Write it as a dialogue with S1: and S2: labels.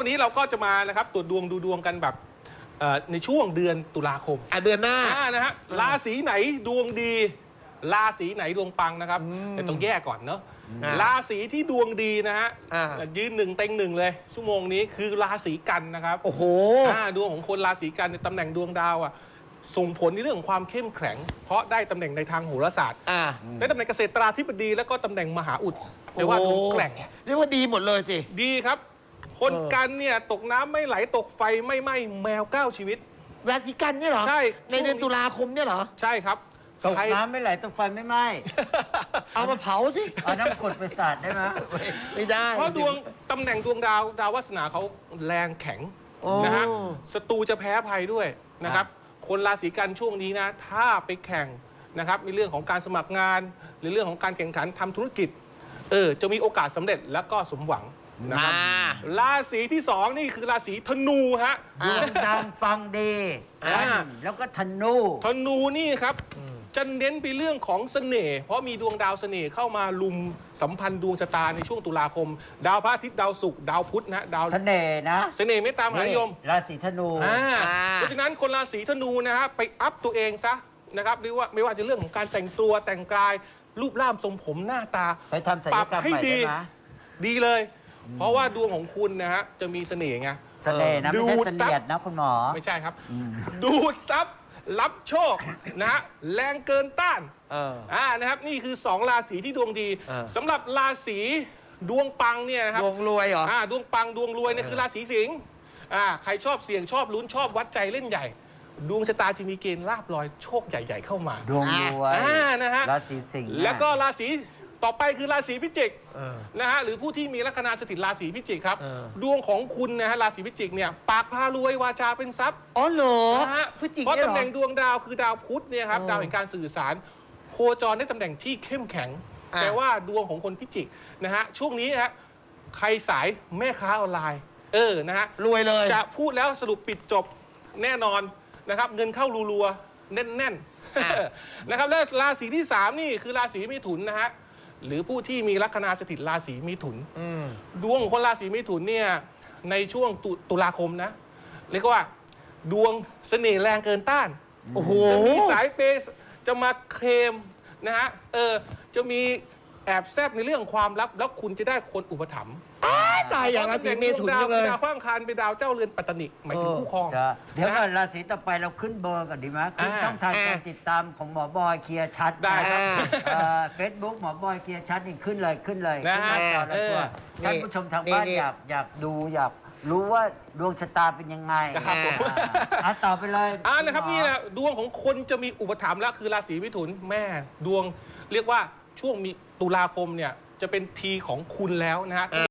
S1: นี้เราก็จะมานะครับตรวจดวงดูดวงกันแบบในช่วงเดือนตุลาคม
S2: เดือนหน้า
S1: นะฮะราศีไหนดวงดีราศีไหนดวงปังนะครับแต่ต้องแยกก่อนเนาะราศีที่ดวงดีนะฮะยืนหนึ่งเต็งหนึ่งเลยชั่วโมงนี้คือราศีกันนะครับ
S2: โอ้โห
S1: ดวงของคนราศีกันในตำแหน่งดวงดาวส่งผลในเรื่องของความเข้มแข็งเพราะได้ตำแหน่งในทางโหราศาสตร์ได้ตำแหน่งเกษตราธิบดีแล้วก็ตำแหน่งมหาอุดเรียกว่าดวงแกร่ง
S2: เรียกว่าดีหมดเลยสิ
S1: ดีครับคนกันเนี่ยตกน้ำไม่ไหลตกไฟไม่ไหม้แมว9ชีวิต
S2: ราศีกันเนี่ยเหรอ
S1: ใช่
S2: ในเดือนตุลาคมเนี่ยเหรอ
S1: ใช่ครับ
S3: ตกน้ำไม่ไหลตกไฟไม่ไหม้
S2: เอามาเผาสิ
S3: เอาน้ำกรดไปสาดได้ไหม
S2: ไม่ได้
S1: เพราะดวงตำแหน่งดวงดาววาสนาเขาแรงแข็งนะฮะศัตรูจะแพ้ภัยด้วยนะครับคนราศีกันช่วงนี้นะถ้าไปแข่งนะครับในเรื่องของการสมัครงานหรือเรื่องของการแข่งขันทำธุรกิจจะมีโอกาสสำเร็จแล้วก็สมหวังนะครับราศีที่2นี่คือราศีธนูฮะ
S3: ดวงดังปังดีแล้วก็ธนู
S1: นี่ครับจะเน้นไปเรื่องของเสน่ห์เพราะมีดวงดาวเสน่ห์เข้ามาลุมสัมพันธ์ดวงชะตาในช่วงตุลาคมดาวพระอาทิตย์ดาวศุกร์ดาวพุธนะดาว
S3: เสน่ห์นะ
S1: เสน่ห์เมตตามหานิยม
S3: ราศีธนู
S1: เพราะฉะนั้นคนราศีธนูนะฮะไปอัพตัวเองซะนะครับหรือว่าไม่ว่าจะเรื่องของการแต่งตัวแต่งกายรูปร่างทรงผมหน้าตา
S3: ไปทำศัลยกรรมใหม่ได้ไหม
S1: ดีเลยเพราะว่าดวงของคุณนะฮะจะมีเสน่ห์ไง
S3: เสน่ห์นะไม่ใช่เสนียดนะคุณหมอ
S1: ไม่ใช่ครับดูดซับรับโชคนะฮะแรงเกินต้านนะครับนี่คือ2ราศีที่ดวงดีสำหรับราศีดวงปังเนี่ยนะครับ
S2: ดวงรวยเหรอ
S1: ดวงปังดวงรวยเนี่ยคือราศีสิงห์ใครชอบเสี่ยงชอบลุ้นชอบวัดใจเล่นใหญ่ดวงชะตาจะมีเกณฑ์ลาภลอยโชคใหญ่ๆเข้ามา
S3: ดวงรวย
S1: นะฮะ
S3: ราศีสิงห์
S1: แล้วก็ราศีต่อไปคือราศีพิจิกนะฮะหรือผู้ที่มีลัคนาสถิตราศีพิจิกครับดวงของคุณนะฮะราศีพิจิกเนี่ยปากพารวยวาจาเป็นทรัพย์
S2: อ๋อเหรอ
S1: พิจิกเพราะตำแหน่งดวงดาวคือดาวพุธเนี่ยครับดาวแห่งการสื่อสารโคจรในตำแหน่งที่เข้มแข็งแต่ว่าดวงของคนพิจิกนะฮะช่วงนี้ฮะใครสายแม่ค้าออนไลน์นะฮะ
S2: รวยเลย
S1: จะพูดแล้วสรุปปิดจบแน่นอนนะครับเงินเข้ารัวๆแน่นๆนะครับและราศีที่3นี่คือราศีมิถุนนะฮะหรือผู้ที่มีลัคนาสถิตราศีมิถุนดวงของคนราศีมิถุนเนี่ยในช่วงตุลาคมนะเรียกว่าดวงเสน่ห์แรงเกินต้านจะมีสายเปย์จะมาเคลมนะฮะจะมีแอบแซบในเรื่องความลับแล้วคุณจะได้คนอุปถัมภ์
S2: ตายอย่างราศีเมถุนจังเลย
S1: ดาวข้างคารเป็นดาวเจ้าเรือนปัตตนิหมายถึงคู่ครอง
S3: เดี๋ยวก่อนราศีต่อไปเราขึ้นเบอร์ก่อนดีไหมขึ้นช่องทางการติดตามของหมอบอยเคลียร์ชัด
S1: ได้ครับ
S3: Facebook หมอบอยเคลียร์ชัดนี่ขึ้นเลยขึ้นมาต่อแล้วตัวท่านผู้ชมทางบ้านอยากดูอยากรู้ว่าดวงชะตาเป็นยังไงต่อไปเลย
S1: นะครับนี่แหละดวงของคนจะมีอุปถัมภ์แล้วคือราศีมิถุนแม่ดวงเรียกว่าช่วงมีตุลาคมเนี่ยจะเป็นทีของคุณแล้วนะฮะ